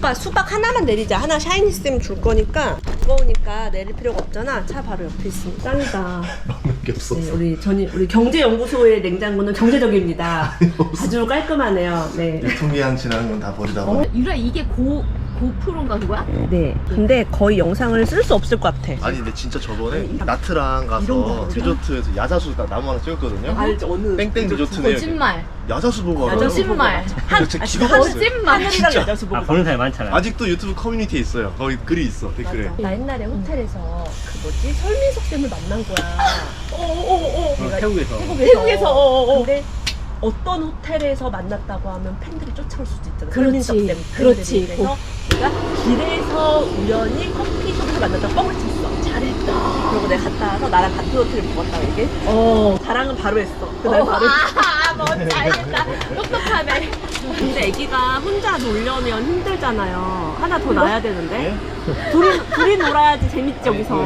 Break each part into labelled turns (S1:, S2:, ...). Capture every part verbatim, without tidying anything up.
S1: 오빠 수박 하나만 내리자. 하나 샤이니쌤 줄 거니까. 무거우니까 내릴 필요가 없잖아. 차 바로 옆에 있으니 짱이다.
S2: 먹는 게 없었어.
S1: 네, 우리 전이 우리 경제연구소의 냉장고는 경제적입니다. 아주 깔끔하네요. 네.
S2: 유통기한 지나는 건 다 버리다
S1: 어?
S2: 보니.
S3: 유라 이게 고 고프로인가 그거야?
S1: 네. 근데 거의 영상을 쓸 수 없을 것 같아.
S2: 아니 근데 진짜 저번에 나트랑 가서 리조트에서 야자수 딱 나무 하나 찍었거든요.
S1: 알지 어느
S2: 땡땡 리조트네요.
S3: 거짓말.
S2: 야자수 보고 알아요.
S3: 거짓말.
S2: 한 진짜 기가
S1: 한-
S2: 막혔어요.
S3: 거짓말.
S1: 하늘이랑 여자수 보고
S4: 아 보는 사람이 많잖아.
S2: 아직도 유튜브 커뮤니티에 있어요. 거기 글이 있어 댓글에.
S1: 나 옛날에 호텔에서 그 뭐지 설민석 쌤을 만난 거야. 어어어.
S4: 어, 태국에서.
S1: 태국에서. 어어어. 근데 어떤 호텔에서 만났다고 하면 팬들이 쫓아올 수도 있잖아.
S3: 그렇지.
S1: 설민석 쌤
S3: 그렇지.
S1: 팬들이. 그래서 내가 길에서 우연히 커피숍에서 만났다고 뻥을 쳤어.
S3: 잘했다.
S1: 그리고 내가 갔다 와서 나랑 같은 호텔을 묵었다고 얘기해.
S3: 어.
S1: 자랑은 바로 했어. 그날 바로 했어.
S3: 아, 뭐 잘했다. 똑똑하네.
S1: 근데 애기가 혼자 놀려면 힘들잖아요. 하나 더 낳아야 되는데. 둘이, 둘이 놀아야지 재밌지, 여기서.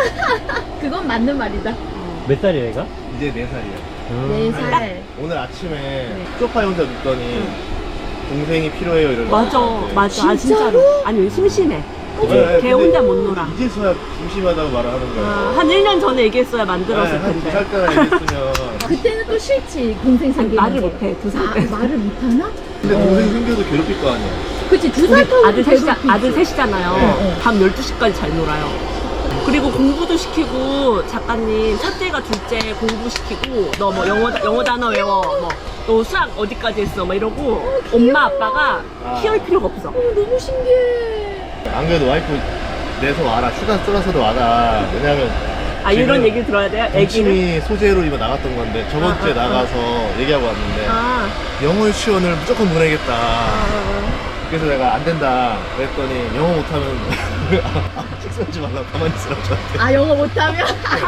S3: 그건 맞는 말이다.
S4: 몇 살이야 얘가?
S2: 이제 네 살이에요.
S3: 네 살.
S2: 오늘 아침에 소파에 혼자 눕더니 동생이 필요해요 이러고.
S1: 맞아, 맞아. 아, 진짜로? 아니, 심심해.
S2: 네,
S1: 걔
S2: 근데
S1: 혼자 못 놀아.
S2: 이제서야 심심하다고 말을 하는 거예요.
S1: 아, 한 일 년 전에 얘기했어야 만들었을
S2: 네, 한두
S1: 텐데.
S2: 살 때나 얘기했으면.
S3: 그때는 또 싫지 동생
S1: 아니,
S3: 생기는
S1: 말을
S3: 게.
S1: 못해, 두 살
S3: 아,
S1: 때.
S3: 말을 못하나?
S2: 근데 동생 생겨도 괴롭힐 거 아니야.
S3: 그치 두 살 터울은
S1: 아들 셋이,
S3: 괴롭히지.
S1: 아들 셋이잖아요.
S3: 네, 네.
S1: 밤 열두 시까지 잘 놀아요. 그리고 공부도 시키고, 작가님, 첫째가 둘째 공부시키고, 너 뭐 영어, 영어 단어 외워, 뭐, 너 수학 어디까지 했어, 막 이러고, 엄마, 아빠가
S2: 아.
S1: 키울 필요가 없어.
S3: 어, 너무 신기해.
S2: 안 그래도 와이프 내서 와라. 휴가 쓰러서도 와라. 왜냐면
S1: 아, 이런
S2: 지금
S1: 얘기 들어야 돼요? 애기를?
S2: 동심이 소재로 이번 나갔던 건데 저번
S1: 아,
S2: 주에
S1: 아, 아.
S2: 나가서 얘기하고 왔는데
S1: 아,
S2: 영어 유치원을 무조건 보내겠다.
S1: 아,
S2: 그래서 내가 안 된다 그랬더니 영어 못하면 아, 식사하지 말라고 가만히 있으라고 저한테.
S3: 아 영어 못하면?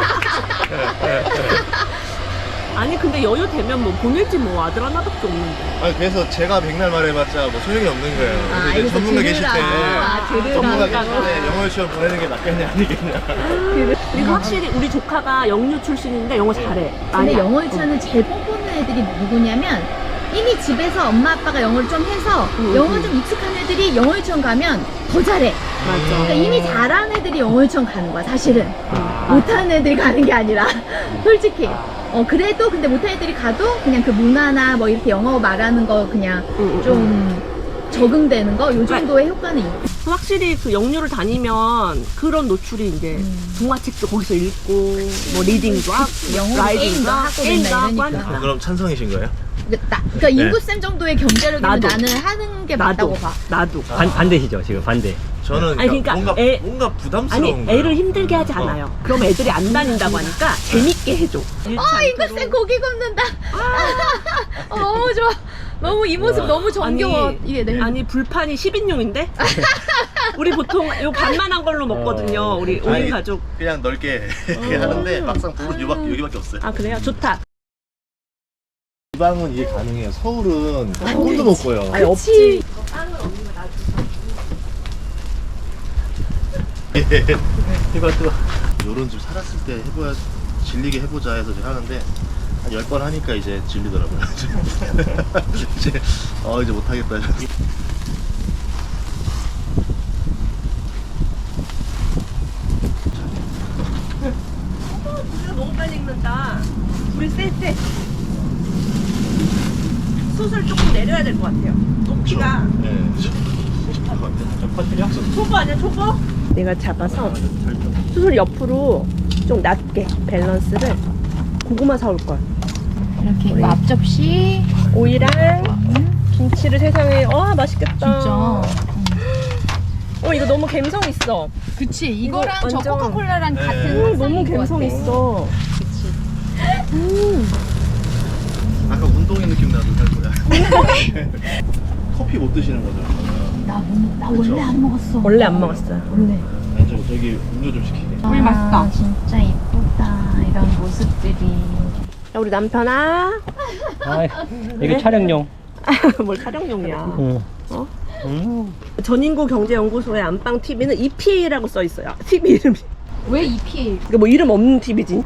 S1: 아니, 근데 여유 되면 뭐 보낼지 뭐 아들 하나밖에 없는데.
S2: 아니 그래서 제가 백날 말해봤자 뭐 소용이 없는 거예요.
S3: 아,
S2: 그래서 이제
S3: 그래서
S2: 전문가 계실 때
S3: 들으라고. 아,
S2: 전문가
S3: 들으라고.
S2: 계실 때 영어 유치원 보내는 게 낫겠냐 아니겠냐.
S1: 그리고 확실히 우리 조카가 영유 출신인데 영어 잘해.
S3: 근데
S1: 많이
S3: 영어
S1: 알-
S3: 유치원은 제일 뻔뻔한 애들이 누구냐면 이미 집에서 엄마 아빠가 영어를 좀 해서
S1: 음,
S3: 영어
S1: 음.
S3: 좀 익숙한 애들이 영어 유치원 가면 더 잘해.
S1: 맞아.
S3: 그러니까 이미 잘하는 애들이 영어 유치원 가는 거야 사실은.
S4: 아.
S3: 못하는 애들이 가는 게 아니라 솔직히. 어 그래도 근데 못하는 애들이 가도 그냥 그 문화나 뭐 이렇게 영어 말하는 거 그냥
S1: 응, 응,
S3: 좀 적응되는 거 요 정도의 효과는 있고.
S1: 확실히 그 영유를 다니면 그런 노출이 이제
S3: 음.
S1: 동화책도 거기서 읽고 뭐 리딩도 하고
S3: 영어로
S1: 라이딩도
S3: 게임도 하고
S1: 게임도
S3: 맨날
S1: 하고
S3: 이러니까.
S1: 하니까.
S2: 그럼 찬성이신 거예요?
S3: 나, 그러니까 인구쌤 정도의 경제력이면
S1: 나도.
S3: 나는 하는 게
S1: 나도
S3: 맞다고 봐.
S1: 나도.
S4: 반, 반대시죠 지금 반대.
S2: 저는
S1: 아니,
S2: 그러니까
S1: 그러니까
S2: 뭔가
S1: 애-
S2: 뭔가 부담스러운
S1: 아니
S2: 거예요.
S1: 애를 힘들게 하지 않아요. 그럼 애들이 안 다닌다고 하니까 재밌게 해줘.
S3: 아 인구쌤 고기 굽는다. 어, 너무 좋아. 너무 이 모습
S2: 우와.
S3: 너무 정겨워.
S1: 아니,
S3: 이게 내
S1: 아니 불판이 십 인용인데? 우리 보통 요 반만한 걸로 먹거든요.
S4: 어.
S1: 우리 오 인
S2: 아니,
S1: 가족.
S2: 그냥 넓게 하는데 막상 불은 여기밖에, 여기밖에 없어요.
S1: 아 그래요? 좋다.
S2: 지방은 이해 가능해요. 서울은 꿈도 못 꿔요.
S1: 아니
S3: 그치.
S1: 없지. 빵은 없는 거 나도.
S2: 해봐 또. 요런 좀 살았을 때 해봐야 질리게 해보자 해서 이제 하는데 한 열 번 하니까 이제 질리더라고요. 이제 어 이제 못하겠다.
S1: 우리가 너무 빨리 익는다. 불이 셀 때. 숯을 조금 내려야 될 것 같아요. 높이가.
S2: 네.
S1: 초보 아니야 초보? 내가 잡아서 숯을 옆으로 좀 낮게 밸런스를. 고구마 사올 걸.
S3: 이렇게
S1: 우리.
S3: 앞접시.
S1: 오이랑 김치를 세상에. 와 맛있겠다.
S3: 진짜.
S1: 어 이거 너무 감성 있어.
S3: 그치. 이거랑
S1: 이거
S3: 저
S1: 완전-
S3: 코카콜라랑
S2: 네.
S3: 같은
S1: 음, 너무
S3: 상상인 것
S1: 감성
S3: 같아.
S1: 있어. 음.
S2: 아까 운동의 느낌 나도 할 거야. 커피 못 드시는 거죠?
S3: 나, 못- 나
S2: 그쵸.
S3: 원래 안 먹었어.
S1: 원래 안 먹었어요.
S3: 원래.
S2: 아니 저 저기 음료 좀 시키게.
S3: 물 맛있다. 진짜 이쁘다. 이런 모습들이.
S1: 야 우리 남편아.
S4: 아 이게 촬영용.
S1: 뭘 촬영용이야.
S4: 응.
S1: 어?
S4: 음.
S1: 전인구 경제연구소의 안방 티비는 이피에이라고 써 있어요. 티비 이름이.
S3: 왜 이피에이?
S1: 이게 뭐 이름 없는 티비지.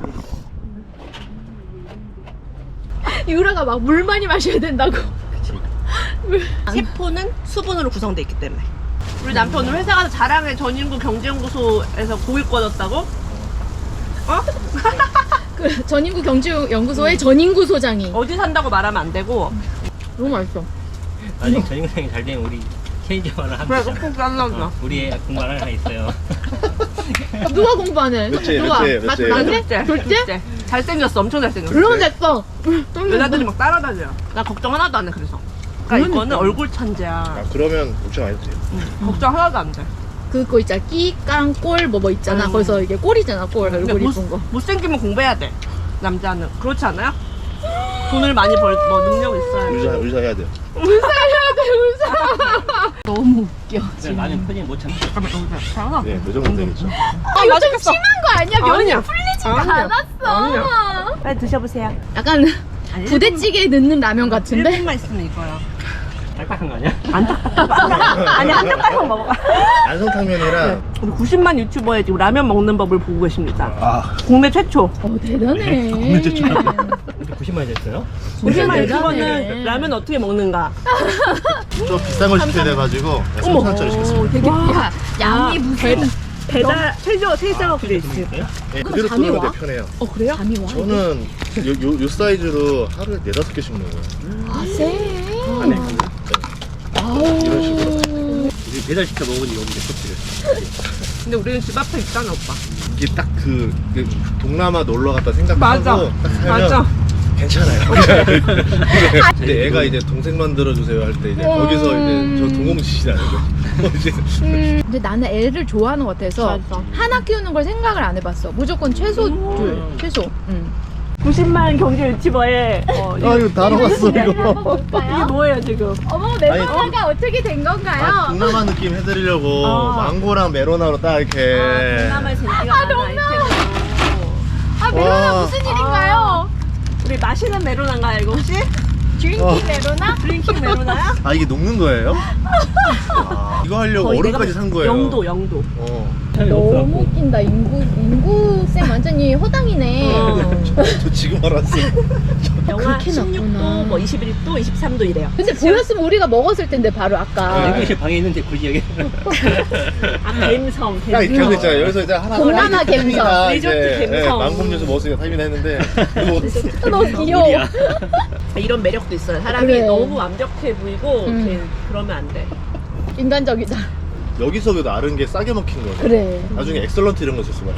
S3: 유라가 막 물 많이 마셔야 된다고.
S1: 세포는 수분으로 구성되어 있기 때문에. 우리 남편 오늘 회사 가서 자랑해. 전인구 경제연구소에서 고일 꺼졌다고? 어?
S3: 그 전인구 경제연구소의 전인구 소장이
S1: 어디 산다고 말하면 안 되고.
S3: 너무 맛있어.
S4: 아직 전인상이 잘 되면 우리 체인지만
S1: 그래,
S4: 합니다.
S1: 꼭꼭 잘라줘.
S4: 어, 우리 애 공부 하나 있어요.
S3: 누가 공부하는?
S2: 몇째,
S3: 누가?
S2: 몇째, 몇째?
S3: 맞-
S1: 나
S3: 나한테?
S1: 둘째.
S3: 둘째?
S1: 둘째. 잘생겼어. 엄청 잘생겼어.
S3: 물론 됐어.
S1: 여자들이 막 따라다녀. 나 걱정 하나도 안 해, 그래서. 그러니까 이거는 얼굴 천재야.
S2: 아 그러면 걱정 안 해도 돼요.
S1: 걱정 하나도 안 돼.
S3: 그거 있잖아. 끼깡 꼴 뭐 뭐 있잖아.
S1: 음.
S3: 거기서 이게 꼴이잖아. 꼴
S1: 근데
S3: 얼굴
S1: 못,
S3: 이쁜 거.
S1: 못생기면 공부해야 돼. 남자는. 그렇지 않아요? 돈을 많이 벌, 뭐, 능력 있어야 돼.
S2: 의사 의사 해야 돼요.
S3: 너무 웃겨.
S4: 근데 나는 표정이 못 참고.
S1: 잠깐만.
S2: 네, 그 정도 되겠죠.
S3: 아, 이거 좀 심한 거 아니야? 면이
S1: 아니야.
S3: 풀리지가
S1: 아니야.
S3: 않았어.
S1: 아니야. 빨리 드셔보세요.
S3: 약간 부대찌개에 넣는 라면 같은데?
S1: 일 분만 있으면 이거야.
S4: 딱딱한 거 아니야?
S1: 안 딱딱하다. 아니, 한 젓갈만 먹어봐.
S2: 안성탕면이랑
S1: 우리 구십만 유튜버의 지금 라면 먹는 법을 보고 계십니다.
S2: 아
S1: 국내 최초.
S3: 어, 대단해.
S2: 국내 최초.
S4: 근데 구십만이 됐어요?
S1: 구십만
S3: 대단해.
S1: 유튜버는 라면 어떻게 먹는가?
S2: 좀 비싼 걸 시켜야 돼가지고 삼천 원짜리 시켰습니다.
S3: 되게 야, 양이
S1: 아,
S3: 무슨
S1: 배달, 최저, 최저가 그래 있어요.
S4: 있어요?
S2: 네,
S3: 그럼
S2: 그대로
S3: 잠이
S2: 들어오면
S3: 와?
S2: 되 편해요.
S1: 어, 그래요?
S3: 잠이 와?
S2: 저는 요, 요, 요 사이즈로 하루에 네다섯 개씩 먹어요.
S3: 아, 쎄.
S4: 안에
S3: 아우.
S2: 이런 식으로.
S4: 우리 배달시켜 먹으니 여기 코치를.
S1: 근데 우리는 집 앞에 있잖아, 오빠.
S2: 이게 딱 그 동남아 놀러 갔다 생각하고
S1: 맞아.
S2: 딱 살면
S1: 맞아.
S2: 괜찮아요. 근데 애가 이제 동생 만들어 주세요 할 때 이제 거기서 이제 저 동공지시라는 거. 이제
S3: 근데 나는 애를 좋아하는 것 같아서
S1: 맞아.
S3: 하나 키우는 걸 생각을 안 해봤어. 무조건 최소 둘. 최소. 응.
S1: 구십만 경제 유튜버의 어,
S2: 아 이거 다 나왔어 이거.
S1: 이게 뭐예요, 지금?
S3: 어머,
S2: 아니,
S3: 메로나가 어떻게 된 건가요?
S2: 아, 동남아 느낌 해드리려고
S1: 어.
S2: 망고랑 메로나로 딱 이렇게.
S1: 동남아의 재미가 많은 아이템으로.
S3: 아, 메로나
S2: 와.
S3: 무슨 일인가요?
S1: 우리 마시는 메로나인가요, 이거 혹시?
S3: 드링킹
S2: 어.
S3: 메로나?
S1: 드링킹 메로나야?
S2: 아 이게 녹는 거예요? 아, 이거 하려고
S1: 거의
S2: 얼음까지
S1: 내가
S2: 산 거예요.
S1: 영도, 영도.
S2: 어.
S3: 너무 웃긴다. 인구, 인구쌤 완전히 허당이네.
S1: 어.
S2: 저 지금 알았어.
S1: 영하
S3: 그렇게
S1: 십육 도,
S3: 낮구나.
S1: 뭐 이십일 도, 이십삼 도 이래요.
S3: 근데 보였으면 우리가 먹었을 텐데, 바로 아까.
S4: 냉동실 방에 있는데 굳이 여기.
S1: 아, 갬성,
S2: 딱 이렇게 하고
S1: 갬성.
S2: 있잖아요. 여기서 이제 하나
S3: 동남아
S2: 하나 이렇게
S3: 갬성.
S2: 타임이나
S1: 리조트
S2: 이제,
S1: 갬성.
S2: 예, 망고음료수 먹었으니까 타임이나 했는데 이거
S3: 너무 귀여워.
S4: 어디야?
S1: 이런 매력도 있어요. 사람이
S3: 그래.
S1: 너무 완벽해 보이고
S3: 음.
S1: 이렇게 그러면 안 돼.
S3: 인간적이다.
S2: 여기서 그래도 아른 게 싸게 먹힌 거예요.
S3: 그래.
S2: 나중에 엑설런트 이런 거 썼으면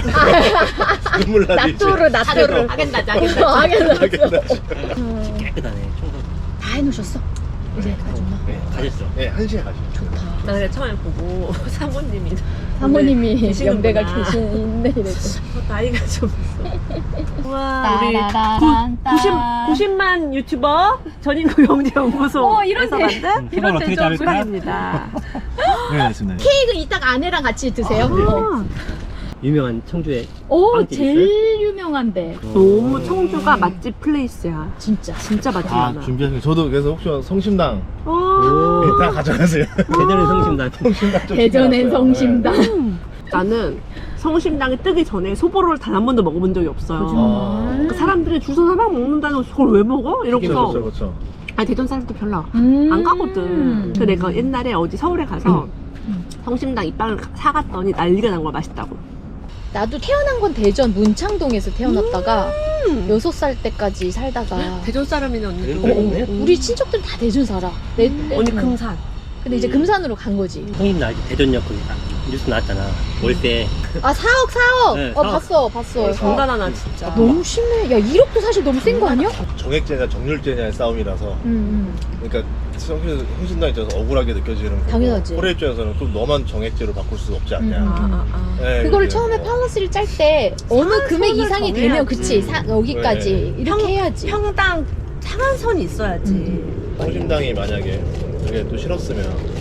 S2: 눈물 나지.
S3: 나토르, 나토르.
S1: 아겐다지,
S3: 어,
S1: 아겐다지.
S3: 아겐다지.
S2: 알겠다지.
S3: 음.
S4: 깨끗하네. 청소.
S3: 다 해놓으셨어? 이제 가져나.
S2: 네,
S4: 가셨어.
S2: 네, 한 시에 가시죠.
S3: 좋다.
S1: 나 그냥 처음에 보고 사모님이
S3: 사모님이
S1: 계시는구나.
S3: 연배가 계시네 이랬죠.
S1: 어, 나이가 좀 있어. 와 우리
S3: 따라란,
S1: 구십,
S3: 따.
S1: 구십만 유튜버 전인구 경제연구소에서
S3: 어, 이런 대-
S1: 만든
S4: 음,
S1: 이런
S4: 어떻게
S1: 대접
S4: 자를까?
S1: 수박입니다.
S2: 네, 알겠습니다.
S3: 케이크 이따가 아내랑 같이 드세요. 어.
S4: 유명한 청주의
S3: 오,
S4: 빵집
S3: 제일 유명한데.
S1: 너무 청주가 맛집 플레이스야.
S3: 진짜.
S1: 진짜 맛집
S2: 아,
S1: 많아.
S2: 준비하신 거. 저도 그래서 혹시 성심당
S1: 오.
S4: 오.
S2: 다 가져가세요.
S4: 대전의 성심당.
S2: 성심당 좀
S3: 대전의
S2: 신경
S3: 성심당.
S2: 왔어요.
S1: 음. 나는 성심당이 뜨기 전에 소보로를 단 한 번도 먹어본 적이 없어요.
S2: 아.
S1: 그 사람들이 줄 서서 하나 먹는다는 그걸 왜 먹어?
S2: 네.
S1: 이러고서
S2: 그렇죠, 그렇죠.
S1: 아니 대전 사람들 별로
S3: 음.
S1: 안 가거든. 그래서 내가 옛날에 어디 서울에 가서
S3: 음.
S1: 성심당 이 빵을 사갔더니 난리가 난 거야. 맛있다고.
S3: 나도 태어난 건 대전 문창동에서 태어났다가
S1: 음.
S3: 여섯 살 때까지 살다가
S1: 대전 사람이네 언니도.
S4: 대전 사람이네?
S3: 어, 우리 친척들 다 대전 살아. 내, 내-
S1: 언니
S3: 응.
S1: 금산.
S3: 근데 이제 금산으로 간 거지.
S4: 성인 나 대전역 거기 뉴스 나왔잖아. 월세.
S3: 아 사억 사억.
S4: 네,
S3: 어
S4: 사억.
S3: 봤어 봤어.
S1: 정단하나 진짜.
S3: 너무 심해. 야 일억도 사실 너무 센 거 아니야?
S2: 정액제냐 정률제냐의 싸움이라서
S3: 응.
S2: 그러니까 성심- 성심당 입장에서 억울하게 느껴지는 거고
S3: 당연하지.
S2: 코레 입장에서는 그럼 너만 정액제로 바꿀 수 없지 않냐.
S3: 음.
S1: 아, 아, 아.
S2: 네,
S3: 그거를
S2: 이렇게
S3: 처음에
S2: 뭐.
S3: 팔러스를 짤 때 어느
S1: 상한선을
S3: 금액 이상이 되면
S1: 정해야지.
S3: 그치 사, 여기까지
S2: 네.
S3: 이렇게
S1: 평-
S3: 해야지.
S1: 평당 상한선이 있어야지.
S3: 음.
S2: 성심당이 만약에 그게 또 싫었으면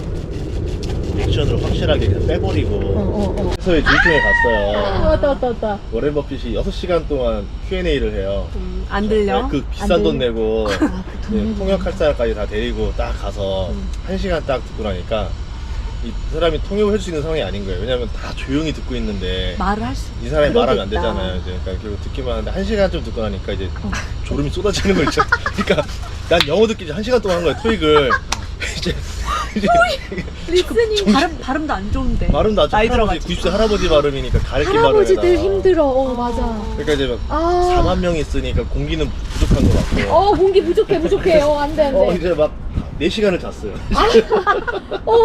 S2: 액션으로 확실하게 그냥 빼버리고
S3: 어, 어, 어.
S2: 회사에 질투에 갔어요.
S3: 아, 왔다 왔다 왔다.
S2: 워렌 버핏이 여섯 시간 동안 큐 앤 에이를 해요.
S1: 음, 안 들려?
S2: 그
S3: 안
S2: 비싼 돈
S3: 들려?
S2: 내고
S3: 아그
S2: 네,
S3: 돈.
S2: 통역할 사람까지 다 데리고 딱 가서
S1: 음.
S2: 한 시간 딱 듣고 나니까 이 사람이 통역을 할 수 있는 상황이 아닌 거예요. 왜냐면 다 조용히 듣고 있는데
S1: 말을 할 수.
S2: 이 사람이 말하면 안
S3: 그러겠다.
S2: 되잖아요. 이제 그러니까 결국 듣기만 하는데 한 시간 좀 듣고 나니까 이제
S3: 어.
S2: 졸음이 쏟아지는 거 있죠. 그러니까 난 영어 듣기 한 시간 동안 한 거야 토익을. 이제
S3: 리스닝.
S1: 발음 발음도 안 좋은데.
S2: 발음도 아주
S1: 나이
S2: 할아버지,
S1: 들어가지고.
S2: 구십 세 할아버지 발음이니까 가르친 발음에다가.
S3: 할아버지들 힘들어. 어, 맞아.
S2: 그러니까 이제 막
S3: 아.
S2: 사만 명이 있으니까 공기는 부족한 것 같고.
S3: 어, 공기 부족해, 부족해. 어, 안 돼, 안
S2: 어,
S3: 돼.
S2: 이제 막 네 시간을 잤어요.
S3: 어.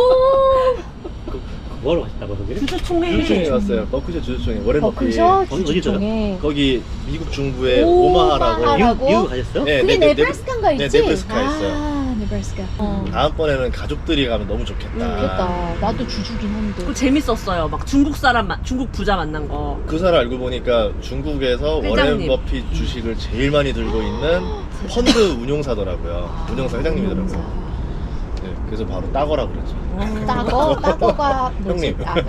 S4: 뭐하러 가셨다고 거기를?
S1: 주주총회.
S2: 주주총회 갔어요. 버크셔 주주총회. 워렌 버핏.
S3: 버크셔
S4: 거기
S3: 주주총회.
S2: 거기 미국 중부의
S3: 오마하라고?
S2: 오마하라고.
S3: 오마하라고?
S4: 미국, 미국 가셨어요?
S2: 네,
S3: 그게
S2: 네, 네,
S3: 네브라스카인가
S2: 네,
S3: 있지?
S2: 네브라스카에 있어요.
S3: 아, 네브라스카. 어.
S2: 다음번에는 가족들이 가면 너무 좋겠다.
S3: 좋겠다. 나도 주주긴 한데.
S1: 또 재밌었어요. 막 중국 사람, 만- 중국 부자 만난 거.
S2: 그 사람 알고 보니까 중국에서 워렌
S1: 회장님.
S2: 버핏 주식을 제일 많이 들고 있는 펀드 운용사더라고요. 운용사 회장님이더라고요. 네, 그래서 바로 따거라 그랬죠.
S3: 따거? 따거가 뭐지?
S2: 형님.
S3: 아,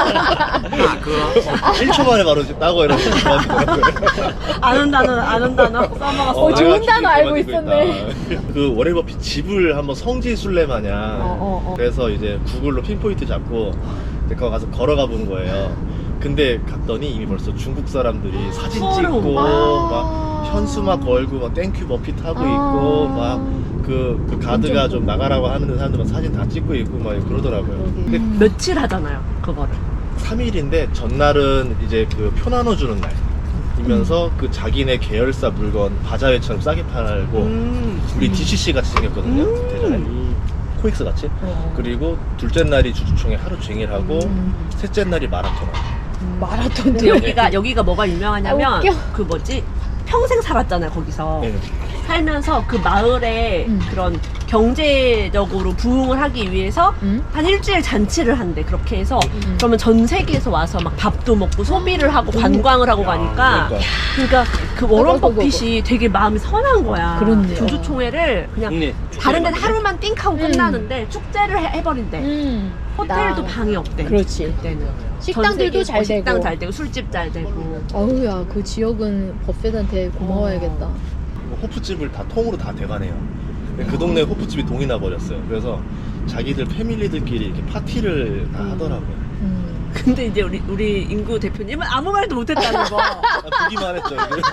S2: 일 초 만에 바로 따거 이러고 좋아하시더라고요.
S1: 아는 단어, 아는 단어 써먹었어.
S3: 어, 좋은
S2: 내가
S3: 단어 알고
S2: 주식
S3: 있었네.
S2: 있다. 그 워렌 버핏 집을 한번 성지순례 마냥
S3: 어, 어, 어.
S2: 그래서 이제 구글로 핀포인트 잡고 이제 거기 가서 걸어가 본 거예요. 근데 갔더니 이미 벌써 중국 사람들이 사진
S1: 서로.
S2: 찍고
S3: 아.
S2: 막 현수막 걸고 막 땡큐 버핏 하고
S3: 아.
S2: 있고 막 그 그 가드가 좀 나가라고 하는 사람들만 사진 다 찍고 있고 막 그러더라고요.
S3: 그러게.
S2: 근데
S1: 며칠 하잖아요, 그거를.
S2: 삼 일인데 전날은 이제 그 표 나눠주는 날이면서 그 자기네 계열사 물건 바자회처럼 싸게 팔고
S1: 음.
S2: 우리 디씨씨 같이 생겼거든요.
S1: 음.
S2: 대전에 코엑스 같이.
S3: 어.
S2: 그리고 둘째 날이 주주총회 하루 종일 하고
S3: 음.
S2: 셋째 날이 마라톤.
S3: 마라톤
S1: 근데
S3: 도
S1: 여기가, 여기가 뭐가 유명하냐면,
S3: 아, 웃겨.
S1: 그 뭐지? 평생 살았잖아요, 거기서.
S2: 네.
S1: 살면서 그 마을에
S3: 음.
S1: 그런 경제적으로 부흥을 하기 위해서
S3: 응?
S1: 한 일주일 잔치를 한대. 그렇게 해서
S3: 음.
S1: 그러면 전 세계에서 와서 막 밥도 먹고 소비를 하고
S3: 음.
S1: 관광을 하고
S2: 야,
S1: 가니까
S2: 그러니까.
S1: 그러니까 그 워런
S3: 어이구, 어이구,
S1: 버핏이 되게 마음이 선한 거야.
S3: 그렇네요.
S1: 주주총회를 그냥
S4: 국내
S1: 다른 데는 하루만 띵하고
S3: 음.
S1: 끝나는데 축제를 해, 해버린대.
S3: 음.
S1: 호텔도
S3: 나-
S1: 방이 없대.
S3: 그렇지.
S1: 그때는.
S3: 식당들도
S1: 전 세계
S3: 잘
S1: 식당
S3: 되고.
S1: 잘 되고 술집 잘 되고.
S3: 어우야, 그 지역은 버핏한테 고마워야겠다.
S2: 뭐 호프집을 다 통으로 다 대관해요. 근데 그 동네 호프집이 동이 나 버렸어요. 그래서 자기들 패밀리들끼리 이렇게 파티를 다
S1: 음.
S2: 하더라고요.
S3: 음.
S1: 근데 이제 우리 우리 인구 대표님은 아무 말도 못했다는 거.
S2: 아, 보기만 했죠.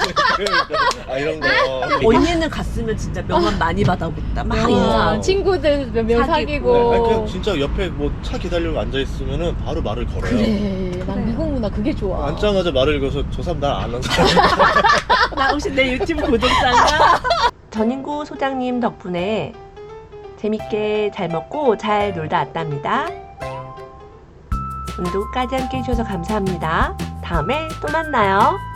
S2: 아 이런 거.
S1: 언니는 갔으면 진짜 명함 많이 받아보겠다. 막
S3: 어,
S1: 인사하고.
S3: 친구들 몇 명
S1: 사귀고.
S2: 네,
S3: 사귀고.
S2: 아니, 그냥 진짜 옆에 뭐 차 기다리고 앉아 있으면은 바로 말을 걸어요.
S3: 그래, 난 미국 문화 그게 좋아.
S2: 앉자마자 말을 걸어서 저 사람 날 아는 사람.
S1: 나 혹시 내 유튜브 구독자인가? 전인구 소장님 덕분에 재밌게 잘 먹고 잘 놀다 왔답니다. 오늘도 끝까지 함께 해주셔서 감사합니다. 다음에 또 만나요.